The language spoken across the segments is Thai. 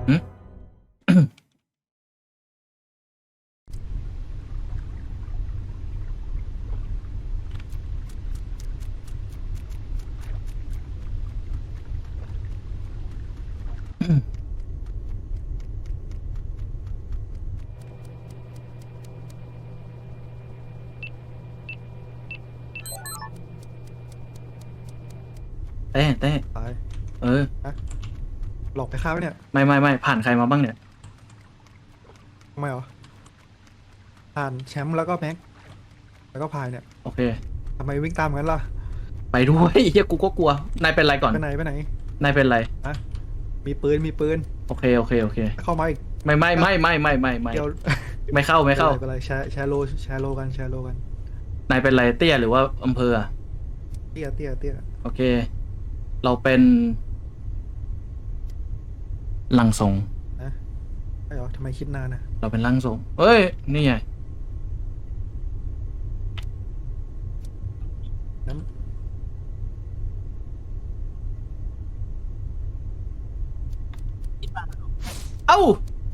หึเต้ตายเออหลอกไปฆ่าไว้เนี่ยไม่ผ่านใครมาบ้างเนี่ยทำไมเหรอผ่านแชมป์แล้วก็แม็กแล้วก็พายเนี่ยโอเคทำไมวิ่งตามกันล่ะไปด้วยเฮียกูก็กลัวนายเป็นไรก่อนไปไหนนายเป็นไรอะมีปืนโอเคเข้ามาอีกไม่เกี่ยวไม่เข้าเป็นไรแชร์โลกันนายเป็นไรเตี้ยหรือว่าอำเภออะเตี้ยโอเคเราเป็นร่างทรงนะไม่เหรอทำไมคิดนานนะเราเป็นร่างทรงเฮ้ยนี่ไงน้เอ้า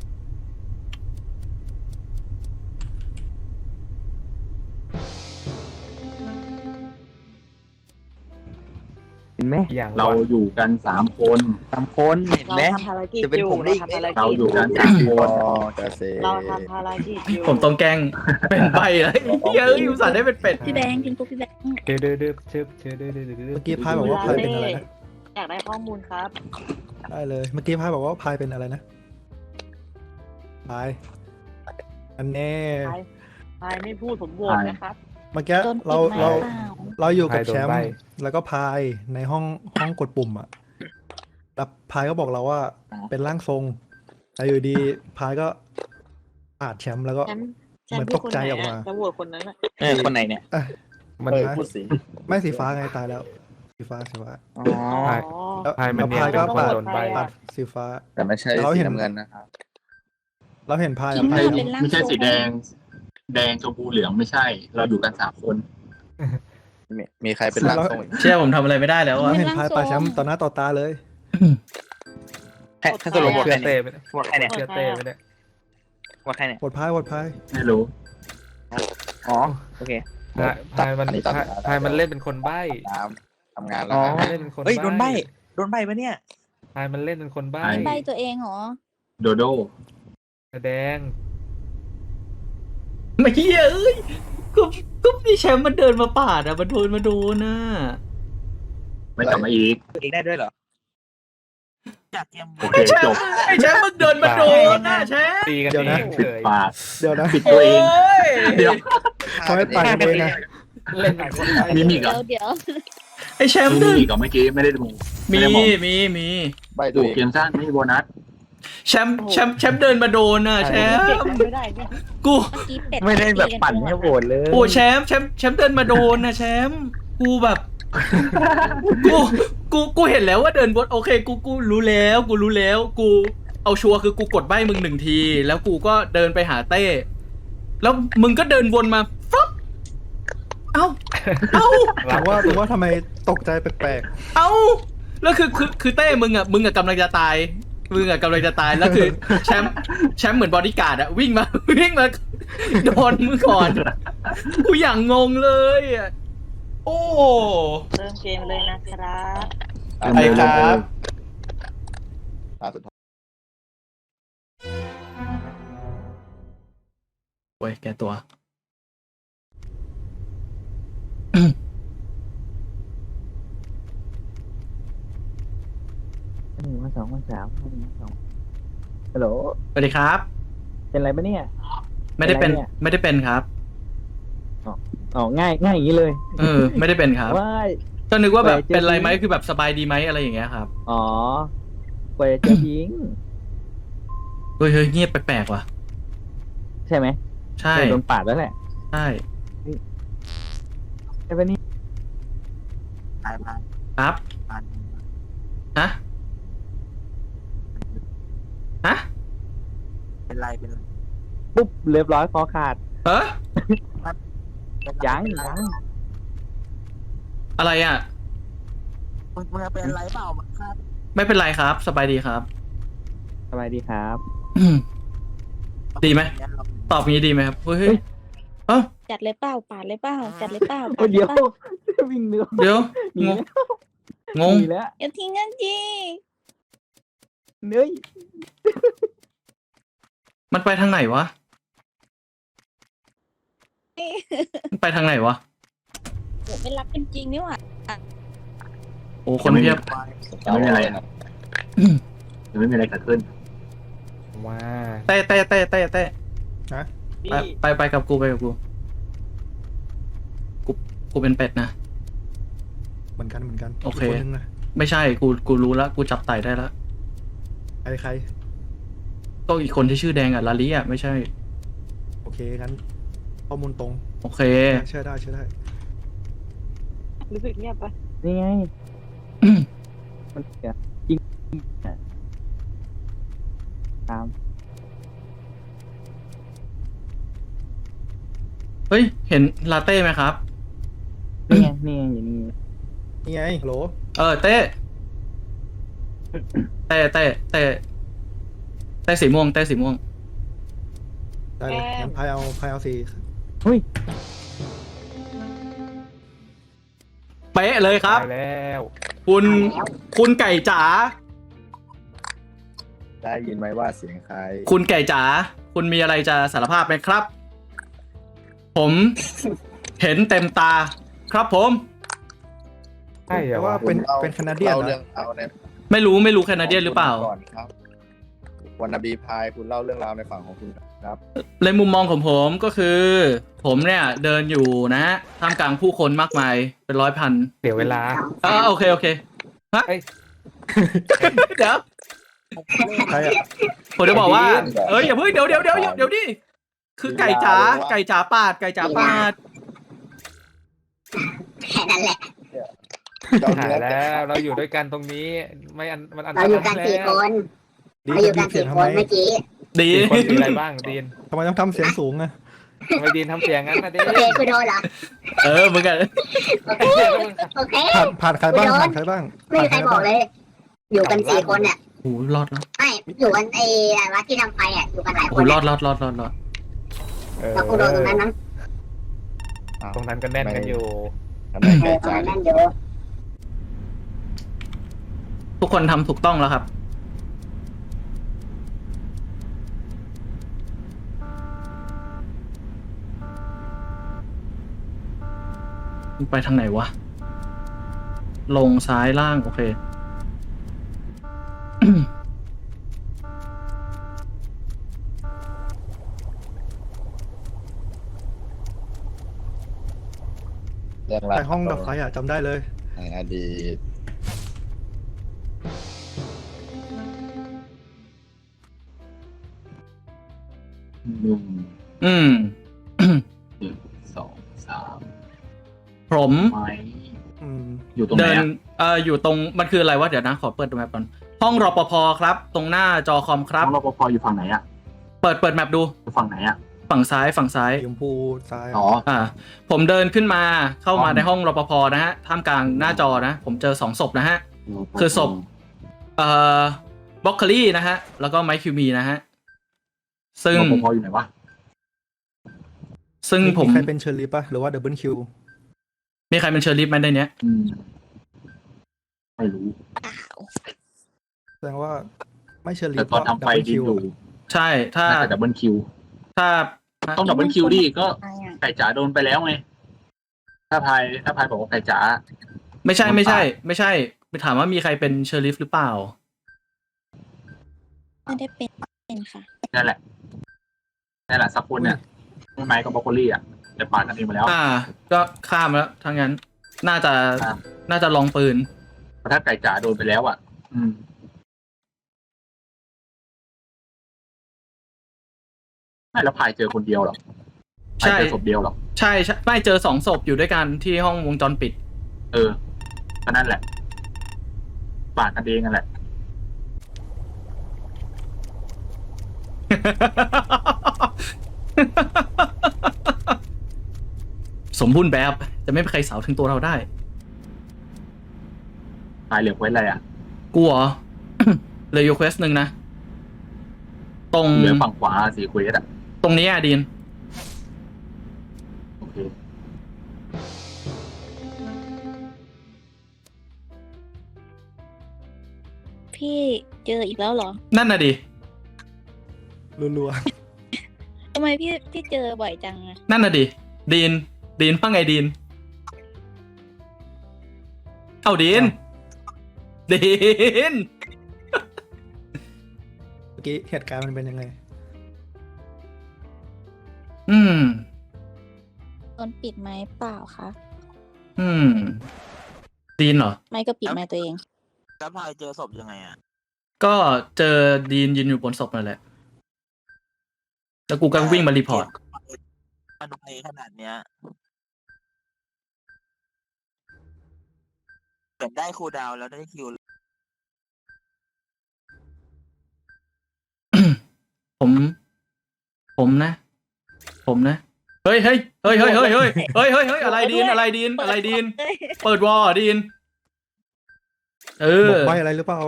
เห็นไหมอย่างเราวะอยู่กัน3 คน 3 คนเห็นเราไหมทำภารกิจจะเป็นอยู่ผมได้เราอีกไหมทำภารกิจเราอยู่กัน3 คนจะเซเราทำภารกิจอยู่ผมต้องแกล้งเป็นใบแล้วเฮ้ยอุตส่าห์ได้เป็นเป็ดพี่แบงค์ทิ้งปุ๊บพี่แบงค์เดือดเดือดเดือดเดือดเดือดเดือดเดือดเมื่อกี้พายบอกว่าพายเป็นอะไรนะอยากได้ข้อมูลครับได้เลยเมื่อกี้พายบอกว่าพายเป็นอะไรนะพายอันแน่พายไม่พูดผมโหวตนะครับเมื่อกี้โดนปิดเราไม้เราเปล่าเราอยู่กับแชมป์แล้วก็พายในห้องกดปุ่มอ่ะแล้วพายก็บอกเราว่าเป็นร่างทรงแต่อยู่ดีพายก็ปาดแชมป์แล้วก็แชมป์เหมือนพูตดกคนใจไหนออกมาจะโหวตคนนั้นอ่ะคนไหนเนี่ยมันพูดสิ ไม่สีฟ้าไงตายแล้วสีฟ้าอ๋อแล้วพายมันแล้วเนี่ยพายเป็นก็คนปาดโดนใบปาดสีฟ้าแต่ไม่ใช่เราสีเห็นน้ำเงินนะครับเราเห็นพายคิกับดพาว่าย เป็นร่างไม่ใช่ทรงสีแดง แดงชมพูเหลืองไม่ใช่ เราอยู่กัน3 คนมีใครเป็นร่างทรงอีกเชื่อผมทำอะไรไม่ได้แล้วเราอะเห็นพายปาดแชมป์ต่อหน้าต่อตาเลยแค่สรุปหมดเชื่ใครอเต้เนี่ยไปเนี่ยหมดใครเนี่ยเชื่อเต้ไปเนี่ยหมดใครเนี่ยปวดพายไม่รู้อ๋อโอเคพายมันพายมันเล่นเป็นคนใบ้ทำงานแล้อ๋วอนะเล่นเป็นคนเฮ้ยโดนใบปะเนี่ยพายมันเล่นเป็นคนใบ้ใบตัวเองเหรอโดโดแสดงไม่เหี้ยเอ้ยก็พี่แชมป์มันเดินมาปาดอะมันโดนน่ะไม่กลับมาอีกเองได้ด้วยเหรออยากเตรียมโอเคจบไอ้แชมป์มึงเดินมาโดนน่ะแชมป์ตีกันเดี๋ยวเอนะงปิดเฉยปากเดี๋ยวนะปิดตัวเอง เดี๋ยวเขาไม่ปาดกันเองนะเล่นเป็นคนใบ้มีอีกเหรอเดี๋ยวไอ้แชมป์มีเดินอีกเหรอเมื่อกี้ไม่ได้ดูมีไได้มองมีใบตัดูวเองเกมสั้นไม่มีโบนัสแชมป์เดินมาโดนน่ะแชมเก็บป์ไม่ได้เนี่ยกูเมื่อกี้เป็ดไม่ได้แบบปั่นให้โหวตเลยโอ้แชมป์เดินมาโดนน่ะแชมป์กูแบบกูเห็นแล้วว่าเดินบนโอเคกูรู้แล้วกูเอาชัวร์คือกูกดใบ้มึง1 ทีแล้วกูก็เดินไปหาเต้แล้วมึงก็เดินวนมาฟับเอ้าถึงว่าทำไมตกใจแปลกเอ้าแล้วคือเต้มึงอะกำลังจะตายแล้วคือแชมป์เหมือนบอดี้การ์ดอะวิ่งมาโดนมึงก่อนกูอย่างงงเลยอะโอ้เริ่มเกมเลยนะครับไปครับตาสุดท้ายโอ้ยแกตัว 1 2 3 1 2ฮัลโหลสวัสดีครับเป็นไรปะเนี่ยไม่ได้เป็นอะไรเนี่ยไม่ได้เป็นครับอ๋อง่ายอย่างนี้เลยไม่ได้เป็นครับว้ายก็นึกว่าแบบเจอเป็นไรไหมจริงคือแบบสบายดีไหมอะไรอย่างเงี้ยครับอ๋อกว่าจะเจอทิ้งเฮ้ยเงียบแปลกๆว่ะใช่ไหมใช่โดนปาดแล้วแหละใช่ใช่ปะนี่ครับฮะฮะปุ๊บเรียบร้อยคอขาดเฮ้ยยังอะไรอ่ะมึงเป็นอะไรเปล่ามันฆ่าไม่เป็นไรครับ สบายดีครับสบายดีครับดีไหมตอบงี้ดีไหมครับเฮ้ยเอ้าจัดเลยเปล่าปาดเลยเปล่าจัดเลยเปล่าโอ้ปาดเลเดี๋ยยวเปล่าวิ่งเนื้อเดี๋ยวหนีงงแล้วงงหนีแล้วอย่าทิ้งกันจีเนื้อมันไปทางไหนวะมันไปทางไหนวะโหไม่รักกันจริงนี่หว่าโอ้คนเพียบยังไม่มีอะไรครับยังไม่มีอะไรเกิดขึ้นว้าเต้นะไปกับกูกูเป็นเป็ดนะเหมือนกันโอเคกคนนึงนะไม่ใช่กูรู้แล้วกูจับไต่ได้แล้วใครก็อีกคนที่ชื่อแดงอะลาลิอะไม่ใช่โอเคงั้นข้อมูลตรงโอเคเชื่อได้รู้สึกเงียบปะนี่ไงมันเสียจริงอะตามเฮ้ยเห็นลาเต้ไหมครับนี่ไงอยู่นี่นี่ไงฮัลโหลเต้สีม่วงเต้สีม่วงได้เลยงั้นพายเอาสีเฮ้ยเป๊ะเลยครับตายแล้วคุณไก่จ๋าได้ยินไหมว่าเสียงใครคุณไก่จ๋าคุณมีอะไรจะสารภาพไหมครับ ผมเห็นเต็มตา ครับผมใช่เหรแต่อว่าวะเป็นแคนาเดียนเล่านะเรื่องเอาในไม่รู้แคนาเดียนหรือเปล่าก่อนครับวันนบีพายคุณเล่าเรื่องราวในฝั่งของคุณครับในมุมมองของผมก็คือ ผมเนี่ยเดินอยู่นะท่ามกลางผู้คนมากมายเป็นร้อยพันเดี๋ยวเวลาโอเคฮะเอ้ยเดี๋ยวใครอ่ะผมจะบอกว่าอย่าเพิ่งเดี๋ยวดิคือไก่จ๋าปาดหายแล้วเราอยู่ด้วยกันตรงนี้ไม่อันมันอันตเรารายอยู่กันแล้วสี่คนดีเราอยู่ดีกันเสียสี่งคทำไมนเมื่อกี้ดีคนมีอะไรบ้างดีนทำไมต้องทำเสียงสูงอ่ะทำไมดีนทำเสียงงั้นนะดีนโอเคคุณโดนเหรอมึงกันโอเคโอเคผ่านใครบ้างผ่านใครบ้างไม่มีใครบอกเลย อยู่กันสี่คนเนี่ยโอ้รอดแล้วไม่อยู่กันไอ้วัดที่ทำไฟอ่ะอยู่กันหลายคโอ้นรอเนี่ยดแล้วกูโดนตรงนั้นมั้งตรงนั้นก็แน่นกันอยู่ทำไมเอไก่อตรงจ๋านั้นอยู่ทุกคนทำถูกต้องแล้วครับไปทางไหนวะ ลงซ้ายล่างโอเคเรื่องราวใครห้องดับไฟอ่ะจำได้เลยในอดีตหนึ่งอืมสองสามผมไม้อืมอยู่ตรงไหนเดินอะอยู่ตรงมันคืออะไรวะเดี๋ยวนะขอเปิดแมปก่อนห้องรปภครับ ตรงหน้าจอคอมครับห้องรปภอยู่ฝั่งไหนอะเปิดแมปดูอยู่ฝั่งไหนอะฝั่งซ้ายสีชมพูซ้ายอ๋อผมเดินขึ้นมาเข้ามาอ๋อในห้องรปภนะฮะท่ามกลางหน้าจอนะ ผมเจอ2ศพนะฮะ คือศพ บล็อกเคอรี่นะฮะ แล้วก็ไมค์คิวมีนะฮะ ซึ่งรปภอยู่ไหนวะซึ่งผมใครเป็นเชอร์ลีป่ะหรือว่าดับเบิลคิวมีใครเป็นเชอร์ลิฟไหมในเนี้ยไม่รู้แสดงว่าไม่เชอร์ลีแต่ตอนทำไฟดีอยู่ใช่ถ้าน่าจะดับเบิลคิวถ้าต้องดับเบิลคิวดิก็ใครอ่ะไก่จ๋าโดนไปแล้วไงถ้าพายบอกว่าไก่จ๋าไม่ใช่ไปถามว่ามีใครเป็นเชอร์ลิฟหรือเปล่าไม่ได้เป็นค่ะนั่นแหละสักคนเนี่ยไม้กับบรอกโคลี่อ่ะแต่ปาดกันเองมาแล้วก็ข้ามแล้วทั้งนั้น น่าจะครับน่าจะลองปืนเพราะถ้าไก่จ๋าโดนไปแล้วอ่ะ ไม่แล้วพายเจอคนเดียวหรอพายเจอศพเดียวหรอใช่ไม่เจอ2ศพอยู่ด้วยกันที่ห้องวงจรปิดก็นั่นแหละปาดกันเองนั่นแหละสมบูรณ์แบบจะไม่มีใครสาวถึงตัวเราได้พายเหลือไว้อะไรอ่ะกูเหรอ เลยยูเควสหนึ่งนะตรงเหลือฝั่งขวาสีเควสอ่ะตรงนี้อะดีนโอเคพี่เจออีกแล้วเหรอนั่นน่ะดิรัวทำไมพี่เจอบ่อยจังอะนั่นน่ะดิดีนว่าไงดีนเอาดีนๆเมื่อกี้เหตุการณ์มันเป็นยังไงอืมโดนปิดไม้เปล่าคะดีนเหรอไม่ก็ปิดไม้ตัวเองแล้วพายเจอศพยังไงอ่ะก็เจอดีนยืนอยู่บนศพนั่นแหละ แล้วกูก็วิ่งมารีพอร์ตมันไวขนาดเนี้ยเหมือนได้คูลดาวน์แล้วได้คิวผมนะ เฮ้ยอะไรดีน อะไรดีน เปิดวอลดีนบอกใบอะไรหรือเปล่า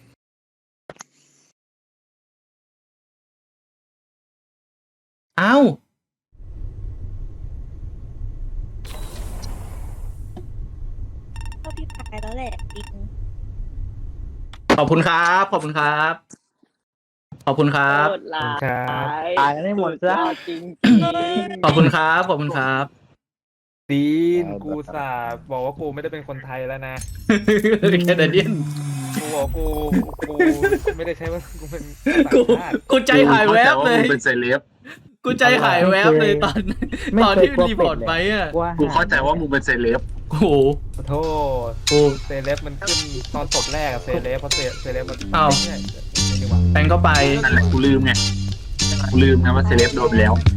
เอ้าก็พี่พายแล้วแหละจริงขอบคุณครับ ขอบคุณครับโคตรร้าครับยตายกันให้หมดซะจริงขอบคุณครับ ขอบคุณครับดีนกูสาบอกว่ากูไม่ได้เป็นคนไทยแล้วนะแคนาเดียนกูบอกกูไม่ได้ใช้ว่ากูเป็นกูต่างชาติกูใจหายแวบเลยกูเข้าใจว่ามึงเป็นเซเลบกูใจหายแวบเลยตอนไม่ตอนเคยที่กลัวรีพอร์ตไปอ่ะว่ากูเข้าใจว่ามึงเป็นเซเลบโอ้โหขอโทษกูเซเลบมันขึ้นตอนศพแรกอะเซเลบเพราะเซเลบมันอ้าวไม่ใช่ดีกว่าแปงก็ไปนั่นแหละกูลืมไง กูลืมไงว่าเซเลบโดนไปแล้ว